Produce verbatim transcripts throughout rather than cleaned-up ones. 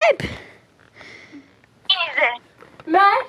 Alp. İyice. Ben.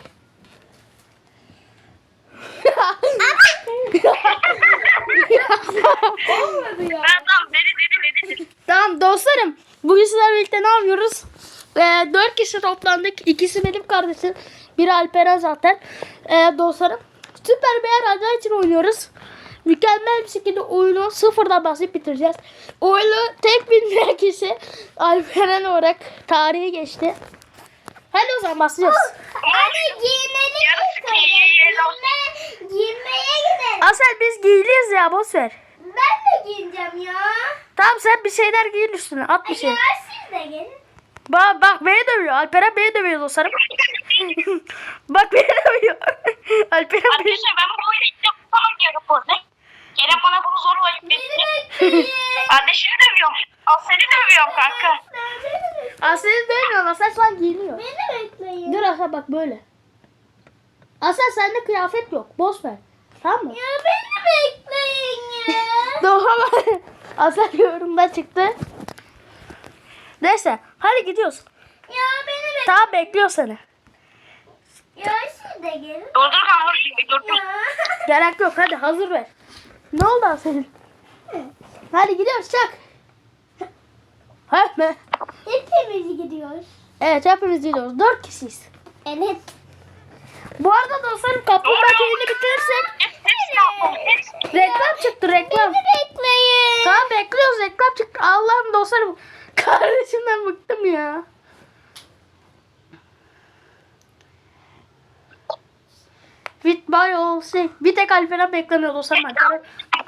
Olmadı ya. Ben tamam dedi dedi dedi. Tamam dostlarım. Bugün sizlerle birlikte ne yapıyoruz? Ee, dört kişi toplandık. İkisi benim kardeşim. Biri Alperen zaten. Ee, dostlarım. Süper Bear Radyo için oynuyoruz. Mükemmel bir şekilde oyunu sıfırdan basıp bitireceğiz. Oyunu tek bilmeyen kişi Alperen olarak tarihi geçti. Hadi o zaman başlıyoruz. Hadi giyinelim. Yarısı giyinelim. Giyinmeye gidelim. Asel biz giyiliyiz ya, boş ver. Ben de giyineceğim ya. Tamam sen bir şeyler giyin üstüne, at bir şey. Ya siz de gelin. Bak bak beni dövüyor. Alperen beni dövüyor dostlarım. Bak beni dövüyor. Alperen beni. Arkadaşlar ben bu oyunu ilk defa yapıyorum. Kerem bana bunu zorla yükletti. Kardeşini dövüyorum. Al seni dövüyorum kanka. Asel'i dövmüyor. Asel şu an giyiniyor. Beni bekleyin. Dur Asel bak böyle. Asel sende kıyafet yok. Boş ver. Tamam mı? Ya beni bekleyin ya. Doğru. Asel yorumda çıktı. Neyse. Hadi gidiyoruz. Ya beni bekleyin. Tamam bekliyor seni. Ya siz de gelin. Dur dur kanka şimdi dur dur. Ya. Gerek yok. Hadi hazır ver. Ne oldu Asel'in? Hadi gidiyoruz çak. Heh, Hepimiz gidiyoruz. evet hepimiz gidiyoruz. Dört kişiyiz. Evet. Bu arada dostlarım kaplumbağa köyünü bitirirsek Hepsini yapalım. Hepsini. reklam çıktı reklam. Beni bekleyin. Tamam bekliyoruz reklam çıktı. Allah'ım dostlarım kardeşimden bıktım ya. With by all şey. Bir tek Alperen beklemiyor dostlarım. Alperen.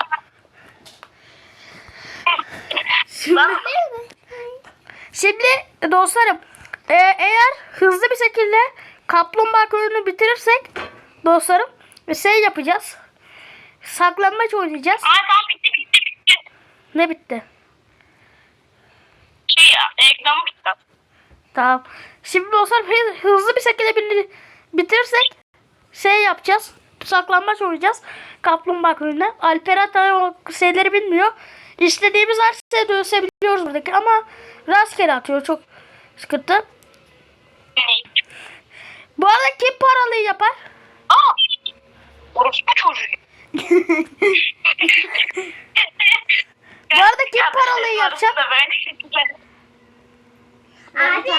Şimdi, şimdi dostlarım e, eğer hızlı bir şekilde kaplumbağa köyünü bitirirsek dostlarım şey yapacağız. Saklanmaç oynayacağız. Aa tamam bitti bitti bitti. Ne bitti? Şey ya reklamı bitti. Tamam. Şimdi dostlarım hı- hızlı bir şekilde bir- bitirirsek şey yapacağız. Saklanmaç oynayacağız. Kaplumbağa köyüne. Alperen tabii o şeyleri bilmiyor. İstediğimiz her şeye dövüşebiliyoruz buradaki ama rastgele atıyor. Çok sıkıntı. Bu arada kim paralıyı yapar? Aa. Orospu çocuğu. Bu arada kim paralıyı yapacak? Abi.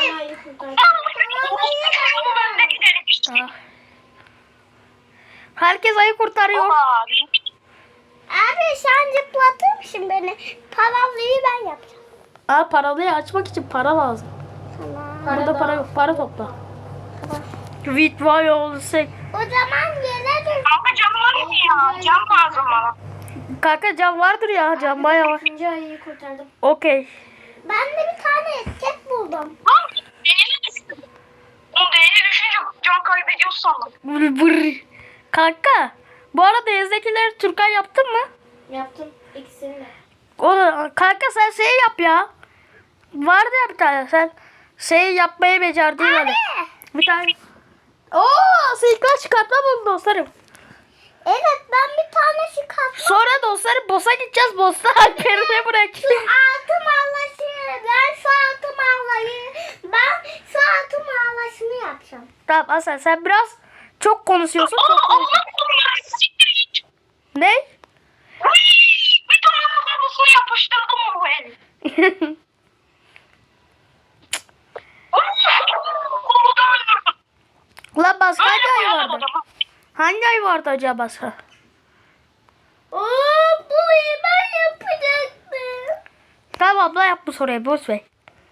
Aa. Herkes ayı kurtarıyor. Abi sen zıplatmışsın beni. Paralıyı ben yapacağım. Aa, paralıyı açmak için para lazım. Tamam. Burada para yok. Para topla. With vay olsay. O zaman gelelim. Kanka cam var mı ya? Cam lazım bana. Kanka cam vardır ya. Cam bayağı var. İkinci ayıyı kurtardım. Okey. Ben de bir tane esket buldum. Lan değeri düştü. Oğlum değeri düşünce can kaybediyoruz sandım. Vır vır. Kanka. Bu arada ezdekileri Türkan yaptın mı? Yaptım ikisini de. O kanka sen şey yap ya. Vardı ya bir tane sen şey yapmayı becerdin öyle. Bir tane. Oo, silkler çıkartma bunu dostlarım. Evet ben bir tane şu kaplı. Sonra dostlarım boss'a gideceğiz. Boss'ta Alperen'e bırak. Şu altı mağlaşı. Ben şu altı mağlayı. Ben şu altı mağlaşını yapacağım. Tamam Hasan sen biraz çok konuşuyorsun. Aa Çok Allah konuşuyorsun. Allah siktir git. Ne? Bir tane kafasını yapıştırdım o el. Kolu da öldürdüm. Ulan başka hangi Öyle ay koyalım vardı? adamı. Hangi ay vardı acaba başka? Oo, burayı ben yapacaktım. Tamam abla yap bu soruyu boş ver.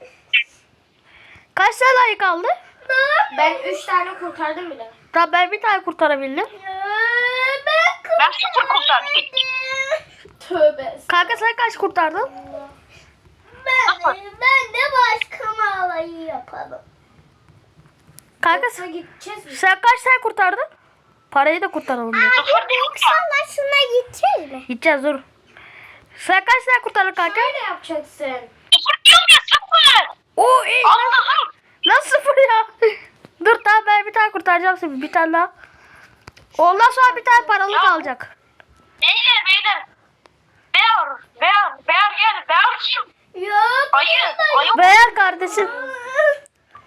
Kaç tane ayı kaldı? Ben üç tane kurtardım bile. Tamam ben bir tane kurtarabildim. Ya, ben Ben sıfır kurtardım. Tövbe. Kanka sen kaç kurtardın? Ben, ben de başka mağlayı yapalım. Kanka Yoksa sen, gideceğiz mi? sen kaç tane kurtardın? Parayı da kurtaralım. diyor. Sıfır değil Büyük mi? sallasına gideceğiz mi? Gideceğiz dur. Sen kaç tane kurtardın kanka? Şöyle yapacaksın. Sıfır diyorum ya sıfır. Oo iyi. Allah'ım. Nasıl sıfır ya? Dur tamam ben bir tane kurtaracağım şimdi. Bir tane daha. Ondan sonra bir tane paralı Ya. kalacak. Beyler beyler. Bear. Bear. Bear gel. Bear kim? Yok. Ayı. Ayı. Beğer kardeşim.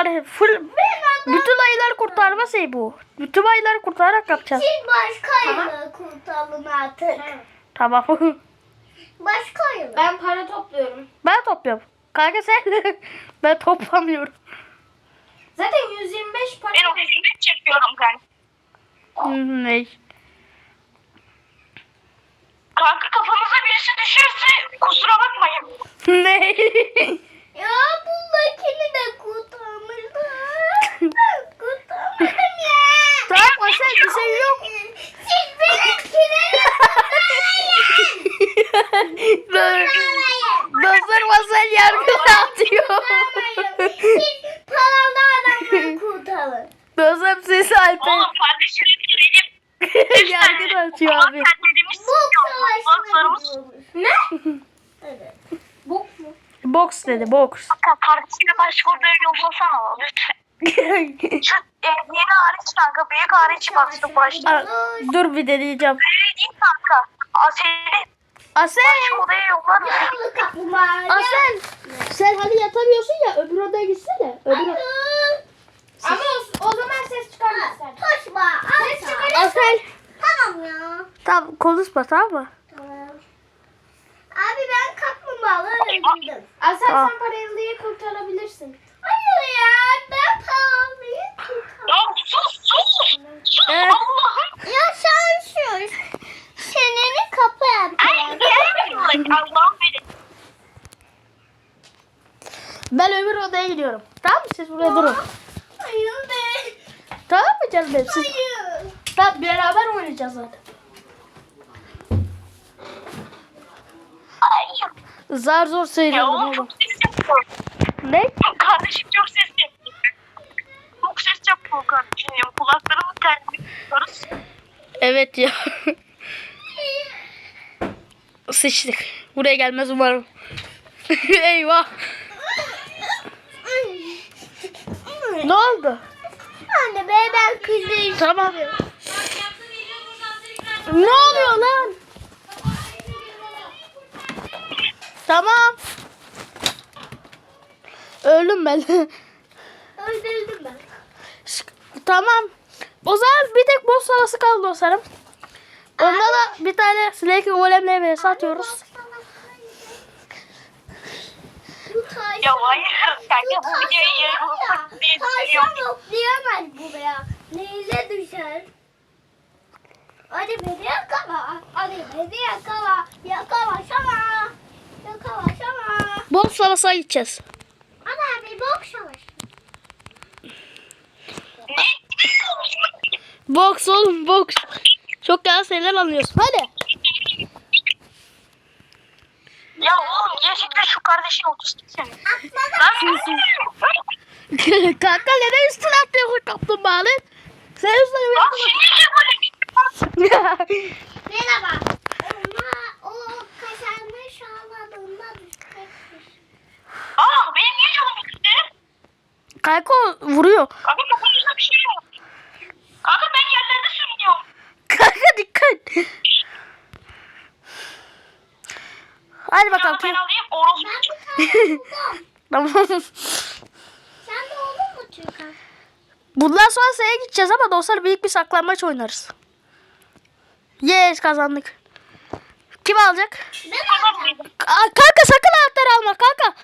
Yani full bütün ayıları kurtarma şey bu. Bütün ayıları kurtararak yapacağız. Siz başka yılı kurtarın artık. Tamam. Başka yılı. Ben para topluyorum. Ben topluyorum. Kanka sen ben toplamıyorum. Zaten yüz yirmi beş para Ben var. o hizmet çekiyorum kanka. Ne? Kanka kafanıza birisi düşerse kusura bakmayın. Ne? Ya buradakini de kurtarmışlar. Ben kurtarmadım ya. Tamam Asel bir şey yok. Siz benimkini Dur. Dostlar Asel yargı dağıtıyor. kurtarmayın. Siz paralı adamları kurtarın. Dostlar sesi Alper. Oğlum kardeşim benim. Yargı dağıtıyor abi. Sen dediğimiz Bok savaşına Dostlarımız gidiyormuş. Ne? Evet. Bok mu? Boks dedi boks. kardeşine başka odaya yollasana lütfen. Şu e, yeni hariç kanka büyük hariç bastı başta. Aa, dur bir deneyeceğim. Öyle değil kanka. Aseli Asel. başka odaya yollar mısın? Yavru kaplumbağa. Asel. Sen hani yatamıyorsun ya öbür odaya gitsene. Öbür Hayır. Ama o, o zaman ses çıkarmazlar. Taşma. Ses Asla. çıkarırsan. Asel. Tamam ya. Tamam konuşma tamam mı? Tamam. Abi ben kaplumbağaları öldürdüm. Asel Aa. sen paralıyı kurtarabilirsin. Hayır ya ben paralıyı kurtardım. Ya sus sus. Sus Evet. Allah'ım. Ya sen sus. Çeneni kapa Ay yapacağım. gelmiyor. Allah'ım benim. Ben öbür odaya gidiyorum. Tamam mı? Siz buraya durun. Hayır be. Tamam mı canım benim? Siz Hayır. tamam, beraber oynayacağız zaten. Ay. Zar zor Ya sıyrıldım oğlum oğlum. çok ses yapıyor. Ne? Kardeşim çok ses yapıyor. Çok ses yapıyor kardeşim. Ya. Kulaklarımı terliyoruz. Evet ya. Sıçtık. Buraya gelmez umarım. Eyvah. Ne oldu? Anne be ben kızım. Tamam. Ne oluyor lan? Tamam. Öldüm ben. Öldürdüm ben. Tamam. O zaman bir tek boss havası kaldı dostlarım. Onda da bir tane Snake Golem'le vs atıyoruz. Ya hayır. Kanka bu videoyu yarın diye düşünüyorum. Tavşan oklayamaz buraya. Neyse düşer. Hadi beni yakala. Hadi beni yakala. Yakalasana. Yakalasana. Boss havasına gideceğiz. Ana bir bok savaşı. Box oğlum box. Çok güzel şeyler anlıyorsun. Hadi. Ya oğlum gerçekten şu kardeşin otistik senin. Kanka neden üstüne atlıyorsun kaplumbağanı? Sen üstüne Bak şimdi niye böyle bir Merhaba. Ona o kaşarmış ağladığında düşecekmiş. Aa benim niye canım gitti? Kanka o vuruyor. Kanka kafanızda bir şey yok. Kanka ben yerlerde sürünüyorum. Kanka dikkat. Hadi bakalım. Kanka ben alayım orospu. Ben bir tane buldum. Tamam. Sen de oldun mu Türkan? Bundan sonra S'ye gideceğiz ama dostlar büyük bir saklanmaç oynarız. Yes kazandık. Kim alacak? Ben alacağım. Aa, kanka sakın anahtarı alma kanka.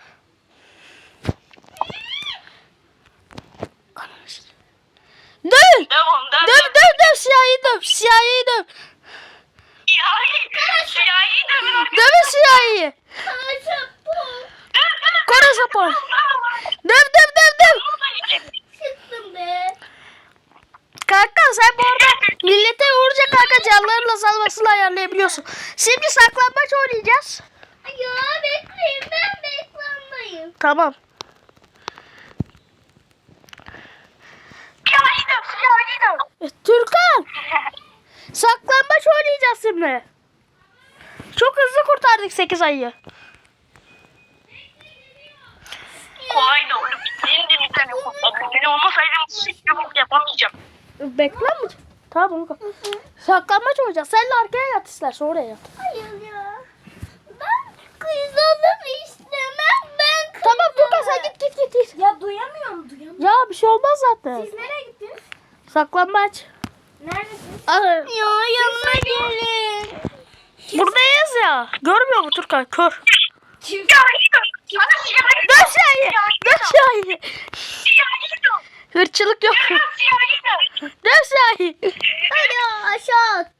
Döv. Devam devam. Döv döv döv siyahi döv. Siyahi döv. Siyahi. Siyahi de mi? Dövün siyahiyi. Kaşık bu. Kore sapor. Döv döv döv döv. Çıktım be. Kanka sen bu arada millete vurunca kanka canlarıyla salmasını ayarlayabiliyorsun. Şimdi saklambaç oynayacağız. Ya bekleyin ben beklenmeyim. Tamam. Siyahi de. Siyahi de. E, Türkan. Saklambaç oynayacağız şimdi. Çok hızlı kurtardık sekiz ayıyı. Kolay da oğlum. Senin de bir tane kurtardın. Beni olmasaydım hiçbir şey yapamayacağım. Bekler mi? Tamam onu kap. Saklambaç oynayacağız. Sen de arkaya yat istersen oraya yat. Hayır ya. Ben kızalım istemem. Ben kızalım. Tamam Türkan sen git git git. git. Ya duyamıyorum duyamıyorum. Ya bir şey olmaz zaten. Siz nereye gittiniz? Saklambaç. Neredesiniz? Aa, Ya yanına gelin. buradayız ya. Görmüyor mu Turkan? Kör. Kim? Ya gidiyor. Sana siyahi Dön Şahin. Dön Şahin. siyahi gidiyor. Hırçılık yok. Siyahi gidiyor. Dön Şahin. Hadi aşağı at.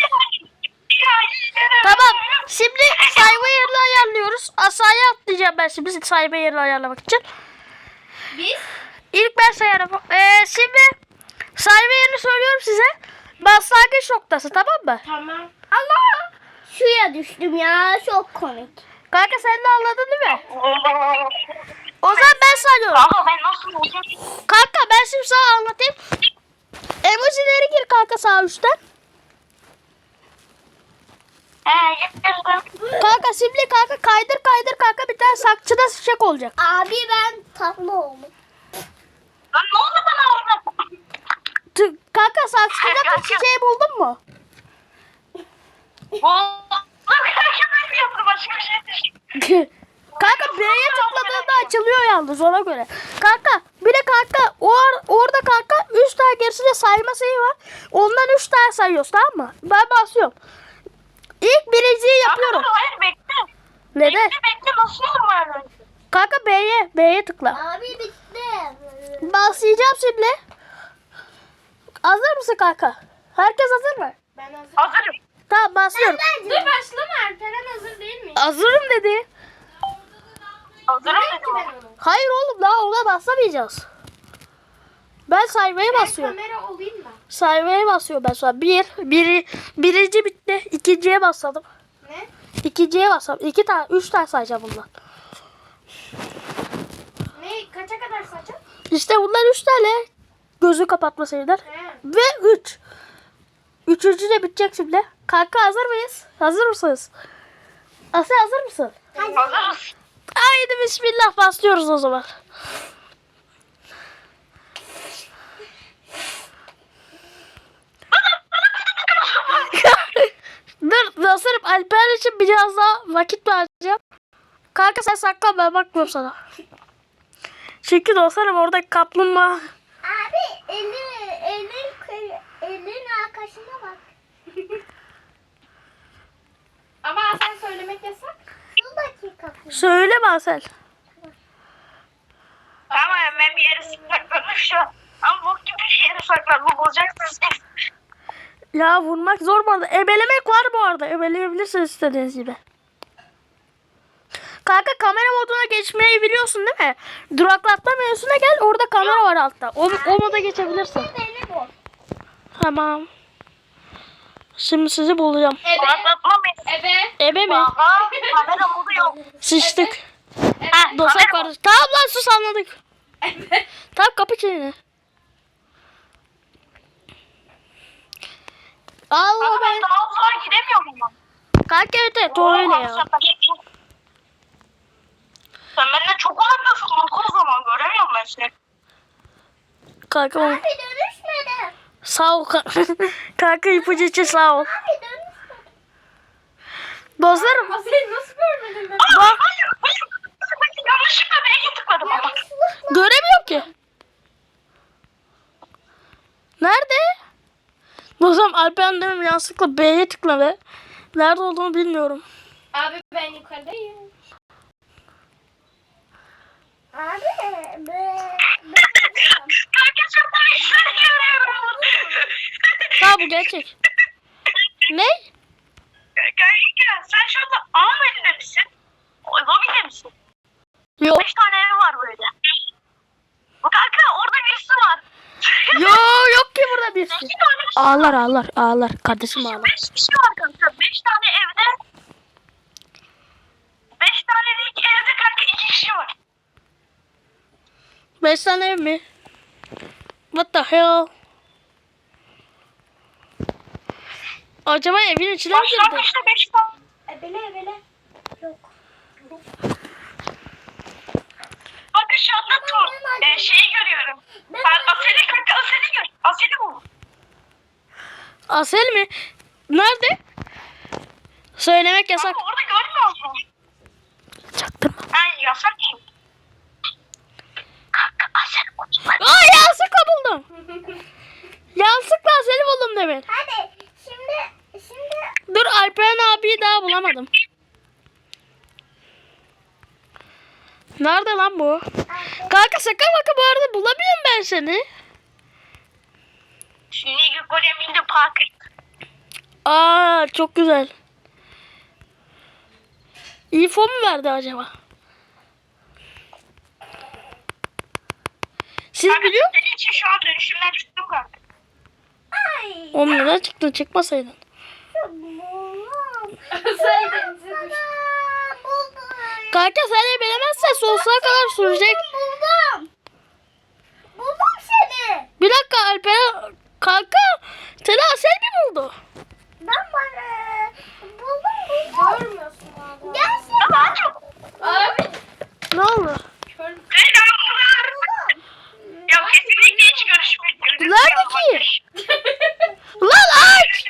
Tamam. Şimdi sayma yerini ayarlıyoruz. Aşağıya atlayacağım ben şimdi sayma yerini ayarlamak için. Biz? İlk ben sayarım. Ee, şimdi sayma yerini söylüyorum size. Başlangıç noktası, tamam mı? Tamam. Allah. Suya düştüm ya. Çok komik. Kanka sen de anladın değil mi? O zaman ben sayıyorum. Ama ben nasıl olacağım? Kanka ben şimdi sana anlatayım. Emojileri gir kanka sağ üstten. He gittim. Kanka şimdi kanka kaydır kaydır kanka bir tane sakçıda çiçek olacak. Abi ben tatlı oldum. Lan ne oldu bana orada? Tü- Kanka saksıda çiçeği buldun mu? Buldum. Ben yaptım başka bir şey değil. Kanka B'ye tıkladığında açılıyor yalnız ona göre. Kanka bir de kanka or orada kanka üç tane gerisinde sayma sayı var. Ondan üç tane sayıyoruz, tamam mı? Ben basıyorum. İlk birinciyi yapıyorum. Dur, hayır bekle. Neden? Bekle bekle nasıl olur böyle? Kanka B'ye B'ye tıkla. Abi bitti. Başlayacağım şimdi. Hazır mısın kanka? Herkes hazır mı? Ben hazır. Hazırım. Tamam başlıyorum. Dur başlama Alperen hazır değil mi? Hazırım dedi. Hazırım Ki dedim. ben onu. Hayır oğlum daha ona basamayacağız. Ben saymaya Ben basıyorum. kamera olayım da. Saymaya basıyorum ben sonra. Bir, biri, birinci bitti. İkinciye basalım. Ne? İkinciye basalım. İki tane, üç tane sayacağım bundan. Ne? Kaça kadar saçım? İşte bunlar üç tane. Gözü kapatma sayılar. He. Ve üç. Üçüncü de bitecek şimdi. Kanka hazır mıyız? Hazır mısınız? Asya hazır mısın? Hazırız. Haydi bismillah başlıyoruz o zaman. Dur dostlarım, Alper için biraz daha vakit vereceğim. Kanka sen saklan, ben bakmıyorum sana. Çünkü dostlarım orada kaplumbağa. Abi elin elin elin arkasına bak. Ama sen söylemek yasak. Dur dakika. Söyleme Asel. Ama ben bir yere sakladım şu an. Ama bok gibi bir yere sakladım. Bulacaksınız. Ya vurmak zor bu arada. Ebelemek var bu arada. Ebeleyebilirsiniz istediğiniz gibi. Kanka kamera moduna geçmeyi biliyorsun değil mi? Duraklatma menüsüne gel. Orada kamera var altta. O, o moda geçebilirsin. Beni bu. Tamam. Şimdi sizi bulacağım. Ebe. Kulaklatma mı? Ebe. Ebe mi? Aha kamera modu yok. Sıçtık. Ebe. Ah dostlar kardeş. Tamam lan sus anladık. Ebe. Tamam kapı çeneni. Allah Ama ben ben. daha uzağa gidemiyorum ama. Kanka evet evet o öyle ya. Sen benden çok uzaktasın. Bak o zaman göremiyorum ben seni. Kanka o- Abi dönüşmedi. sağ ol. ka- Kanka ipucu için sağ ol. Abi dönüşmedi. Dostlarım. Ama seni nasıl görmedin ben? Aa, hayır hayır. Ben yanlışlıkla B'ye tıkladım ama. Göremiyorum ki. Nerede? Dostlarım Alperen diyorum yanlışlıkla B'ye tıkladı. Nerede olduğunu bilmiyorum. Abi ben yukarıdayım. Abi be. Kanka çok da işler görüyorum. Ha bu gerçek. Ne? Kanka sen şu anda A'nın elinde misin? Lobide misin? Yok. Beş tane ev var böyle. Kanka orada birisi var. Yo yok ki burada birisi. İki tane Ağlar ağlar ağlar. Kardeşim ağlar. Beş kişi var kanka. Beş tane evde. Beş tane de evde kanka iki kişi var. Beş tane ev mi? What the hell? Acaba evin içine mi girdi? Başlangıçta beş tane. Ebele ebele. Yok. Bakın şu anda tu, e, şeyi görüyorum. Ben Asel'i kanka Asel'i gör. Asel'i bul. Asel mi? Nerede? Söylemek yasak. Ama orada görmüyor musun? Çaktırma. Ha yasak ki. buldum. Yanlışlıkla seni buldum demin. Hadi şimdi şimdi Dur Alperen abiyi daha bulamadım. Nerede lan bu? Kanka şaka maka bu arada bulamıyorum ben seni. Şimdi Gregorian in the Park. Aa çok güzel. İnfo mu verdi acaba? Siz Kanka biliyor musunuz? senin için şu an dönüşümden çıktım kanka. ay. Oğlum neden çıktın? Çıkmasaydın. Buldum. Sen denize düştün. Aa, buldum. Kanka sen bilemezsen sonsuza kadar sürecek. Buldum. Buldum seni. Bir dakika Alperen. Kanka seni Asel mi buldu? Ben bana buldum buldum. Görmüyorsun abi. Gerçekten. Daha çok. Abi. Ne oldu? Kör. Ya kesinlikle hiç görüşmedik. Nerede ki? Lan aç!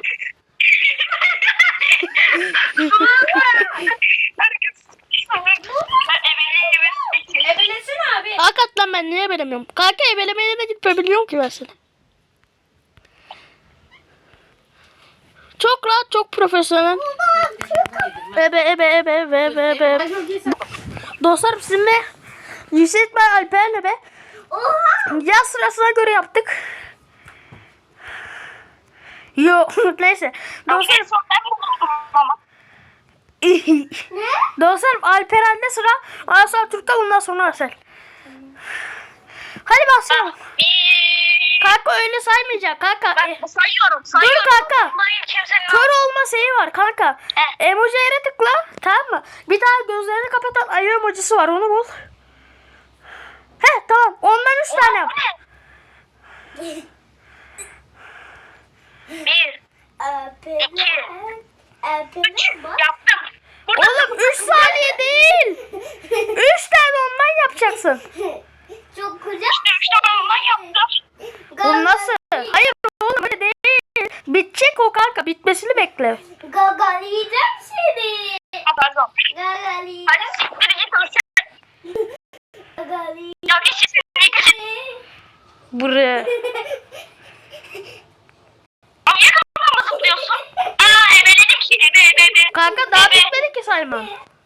Ebelesin abi. Hakikaten ben niye belemiyorum? Kanka ebelemeye de gitmeyebiliyorum ki ben seni. Çok rahat, çok profesyonel. Ebe ebe ebe ebe ebe ebe. Ben çok iyi sen- Dostlarım sizinle Yusuf ben Alper'le be Oha. yaz sırasına göre yaptık. Yo neyse. Dostlarım, Ne? dostlarım Alperen'de sıra. Ondan sonra Türk'ten ondan sonra Asel. Hadi başlayalım. Kanka öyle saymayacak kanka. Ben E, sayıyorum, sayıyorum. kanka. Bunların kimsenin Kör olma şeyi var kanka. He. Emoji'ye tıkla tamam mı? Bir tane gözlerini kapatan ayı emojisi var onu bul. He tamam ondan üç tane yap. Bir, Alperen. Alperen bak. yaptım. Burada Oğlum üç saniye değil. üç tane ondan yapacaksın. Çok güzel. işte üç tane ondan yaptım. Bu nasıl? Hayır oğlum öyle değil. Bitecek o kanka bitmesini bekle. Gagalayacağım seni. Ha, pardon. Gagalayacağım. Hadi siktir git olsun. Gagalayacağım. Ya geç şimdi. Buraya. Ama niye kafamı zıplıyorsun? Aa ebeledim ki. Ebe ebe ebe. Kanka daha bitmedi ki sayma.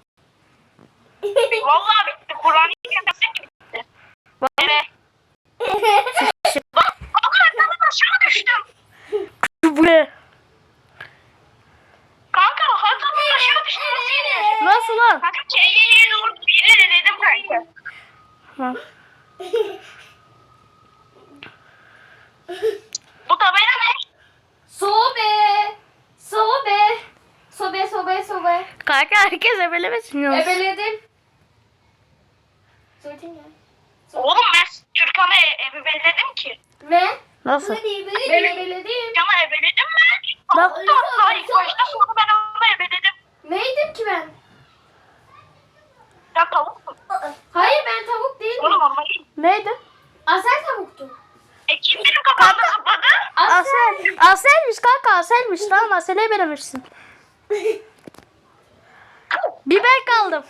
Vallahi bitti. Kur'an'ı kendisi bitti. Bak. Evet. Bak o kadar aşağı düştüm. Buraya. Kanka hatadan aşağı düştüm. Nasıl? Nasıl lan? Kanka K'ye doğru bir yere dedim kanka. Ha. Bu tabela ne? Sobe. Sobe. Sobe sobe sobe. Kanka herkes ebelemesin yalnız. Ebeledim. Söyletin ya. Oğlum ben Türkan'ı e- ebeledim ki. Ne? Nasıl? Ben ebeledim. Can'a ebeledim mi? Bak. Hatta hatta ilk başta sonra ben onu ebeledim. Neydim ki ben? Ya tavuk mu? Hayır ben tavuk değilim. Oğlum ama Neydi? Asel tavuktu. e kim benim kafamda zıpladı? Asel. Asel. Aselmiş kanka Aselmiş tamam Asel'e ebelemişsin. Bir ben kaldım.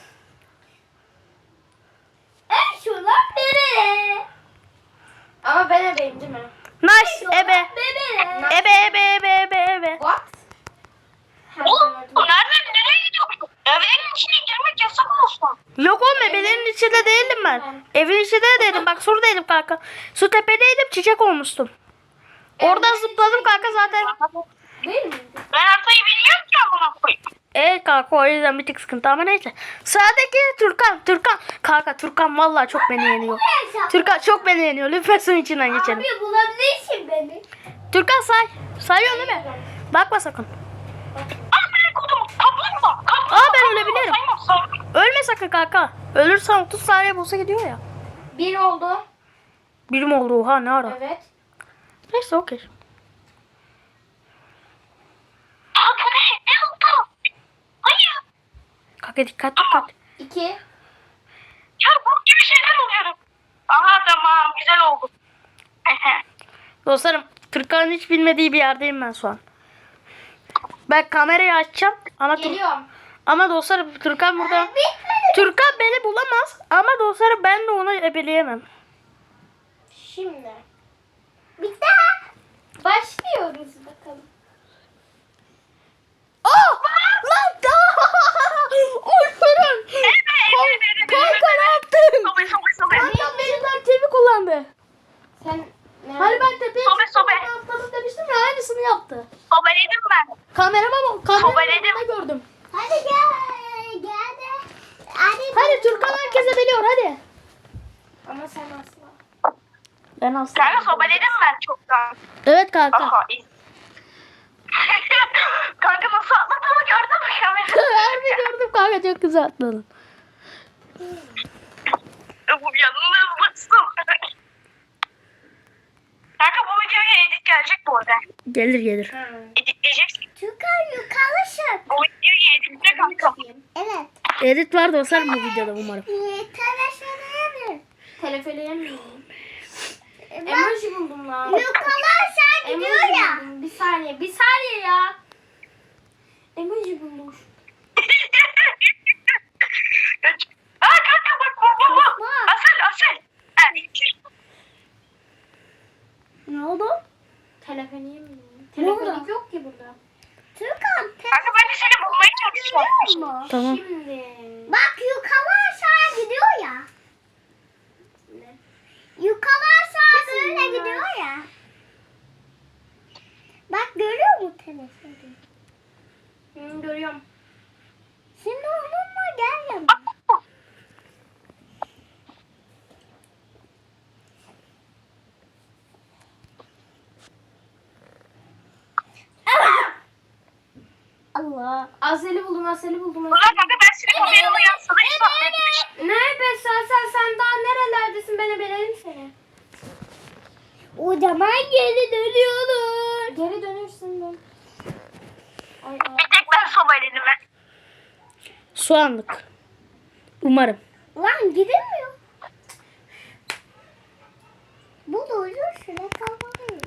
En şunlar bebe. Ama ben ebeyim değil mi? Nice ebe. Bebe. Ebe ebe ebe ebe ebe. What? Oğlum nereden nereye gidiyorsun? Evlerin içine girmek yasak olsun. Yok oğlum ebelerin içinde değildim ben. Evin içinde değildim bak şuradaydım kanka. Su tepedeydim çiçek olmuştum. Oradan zıpladım kanka zaten. Değil mi? Ben haritayı bilmiyorum ki amına koyayım. Evet kanka o yüzden bir tık sıkıntı ama neyse. Sıradaki Türkan. Türkan. Kanka Türkan vallahi çok beni yeniyor. Türkan çok beni yeniyor. Lütfen suyun içinden geçelim. Abi bulabilirsin beni. Türkan say. Sayıyorsun değil mi? Bakma sakın. Aa ben kodum kaplumbağa. Kaplumbağa. Aa, ben ölebilirim. Saymam, saymam. Ölme sakın kanka. Ölürsen otuz saniye bulsa gidiyor ya. Bir oldu. Birim oldu oha ne ara. Evet. Neyse okey. Aa bu ne? Ne oldu? Hayır. Kanka dikkat dikkat. İki. Ya bu gibi şeyler oluyorum. Aha tamam güzel oldu. Dostlarım Türkan'ın hiç bilmediği bir yerdeyim ben şu an. Ben kamerayı açacağım ama Tur- Geliyorum. ama dostlarım Türkan burada. Türkan beni bulamaz ama dostlarım ben de onu ebeleyemem. Şimdi. Başlıyoruz bakalım. Aa! Lan! Alperen! Kanka ne yaptın? Sobe sobe sobe. Kanka benim tepki kullandı. Sen ne? Hani ben tepeye Sobe, sobe. atladım demiştim ya aynısını yaptı. Sobeledim ben. Kamerama bak. Sobeledim. Kamerada gördüm. Hadi gel. Gel de. Hadi. Hadi Türkan herkese biliyor hadi. Ama sen asla. Ben asla. Kanka sobeledim ben çoktan. Evet kanka. Aha iyi. Kanka nasıl atladığımı gördün mü kamera? Harbi gördüm kanka çok güzel atladın. Bu yalnızlıksın. Kanka bu videoya edit gelecek bu arada. Gelir gelir. Editleyeceksin. Türkan yukarı Bu videoyu editle kanka. Evet. Edit var dostlar bu videoda umarım. Telefonlayabilir. Telefeleyemiyorum. Bak. Emoji buldum lan. Yukarı aşağı Emoji gidiyor ya. buldum. Bir saniye. Bir saniye ya. Emoji buldum. Aa kanka bak bu bu bu. Asel asel. Ha, Ne oldu? Telefeleyemiyorum. Ne oldu? Telefelik yok ki burada. Türkan. kanka ben de seni bulmaya çalışıyorum. Tamam. Şimdi. Bak yukarı aşağı gidiyor ya. Yukarı aşağı Kesin böyle ya. gidiyor ya. Bak görüyor musun telefonu? Hı, görüyorum. Şimdi onunla gel yanıma. Allah. Azeli buldum, Azeli buldum. Ulan kanka ben seni kamerama yansıdı. Hiç bahsetmiş. Ne be sen, sen, sen daha nerelerdesin? Ben ebelerim seni. O zaman geri dönüyoruz. Geri dönürsün dön. Ay ay. Bir tek ben sobeledim ben. Soğanlık. Umarım. Lan gidemiyor. Bu da uyuyor şuna kalmalıyım.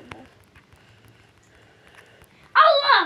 Allah!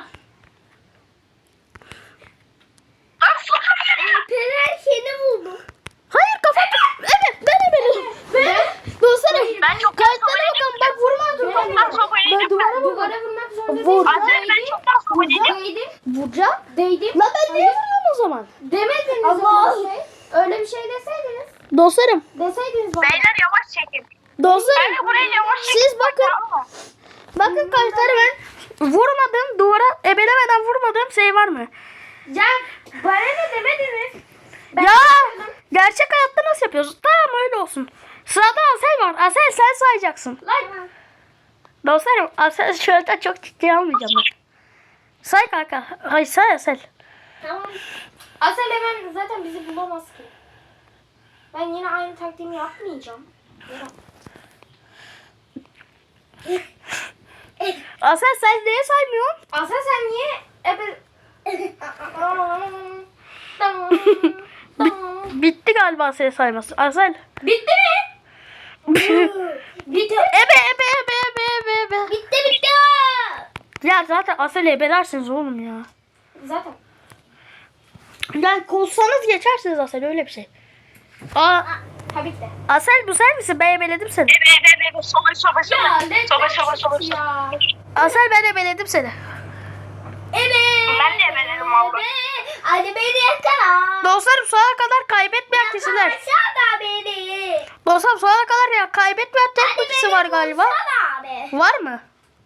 Lan sobeledim. Alperen seni buldu. Hayır kapat. Evet ben ebeledim. Ben. Dostlarım. Ben çok Kayıtlara sobeledim. bakın bak vurma dur. Ben Ben sobeledim. duvara vur. Duvara vurmak zorunda Vur. değilim. Asel ben çoktan sobeledim. Değdim. Vuracağım. Değdim. La ben niye vuruyorum o zaman? Demediniz Allah. öyle bir şey. Öyle bir şey deseydiniz. Dostlarım. Deseydiniz bana. Beyler yavaş çekin. Dostlarım. Kanka buraya yavaş çekin. Siz bakın. Bakın kayıtlara ben vurmadım duvara ebelemeden vurmadığım şey var mı? Can, bana ne demediniz? Ben ya gerçek hayatta nasıl yapıyoruz? Tamam öyle olsun. Sırada Asel var. Asel sen sayacaksın. Lan. Dostlarım Asel şöyle çok ciddiye almayacağım ben. Say kanka. Hayır say Asel. Tamam. Asel hemen zaten bizi bulamaz ki. Ben yine aynı taktiğimi yapmayacağım. Yok. Asel sen niye saymıyorsun? Asel sen niye ebe... Bitti galiba Asel sayması. Asel. Bitti mi? Bitti. Ebe ebe ebe ebe ebe ebe. Bitti bitti. Ya zaten Asel'i ebelersiniz oğlum ya. Zaten. Yani kozsanız geçersiniz Asel öyle bir şey. Aa, Ha bitti. Asel bu sen misin? Ben ebeledim seni. Ebe ebe ebe sobe sobe sobe. ne Sobe sobe sobe. ya. Asel ben ebeledim seni. Evet. Ben de ebeledim valla. Hadi beni yakala. Dostlarım sonuna kadar kaybetmeyen kişiler. Aşağıda beni. Dostlarım sonuna kadar ya kaybetmeyen tek bir kişi var galiba. Sana abi. Var mı?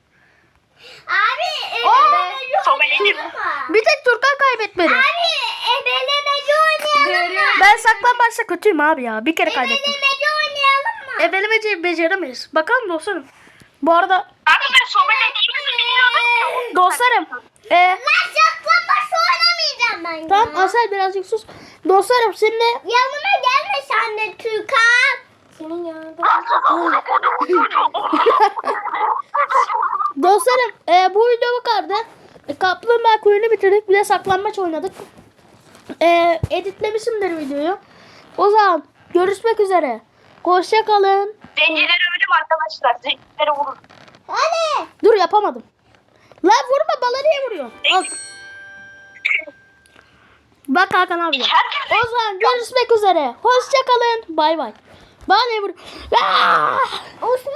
Abi Aa, ebelemeci sobeledim. oynayalım mı? Bir tek Turkan kaybetmedi. Abi ebelemeci oynayalım mı? Ben saklambaçta kötüyüm abi ya. Bir kere kaybettim. Ebelemeci oynayalım mı? Ebelemeci beceremeyiz. Bakalım dostlarım. Bu arada Kanka ben sobelediğimizi bilmiyordum ki. dostlarım. E, Ben saklambaç oynamayacağım ben tamam ya. Asel birazcık sus. Dostlarım şimdi Yanıma gelme sen de Türkan. Senin yanında. dostlarım e, bu video bu kadardı. E, Kaplumbağa kuyunu bitirdik. Bir de saklambaç oynadık. E, editlemişimdir videoyu. O zaman görüşmek üzere. Hoşça kalın. Zencileri öldüm arkadaşlar. Zencileri vurun. Hadi. Dur yapamadım. Lan vurma bana niye vuruyorsun? Al. Bak Hakan abi. Herkes O zaman görüşmek üzere. Hoşça kalın. Bay bay. Bana ne vuruyor? Aa! Osman.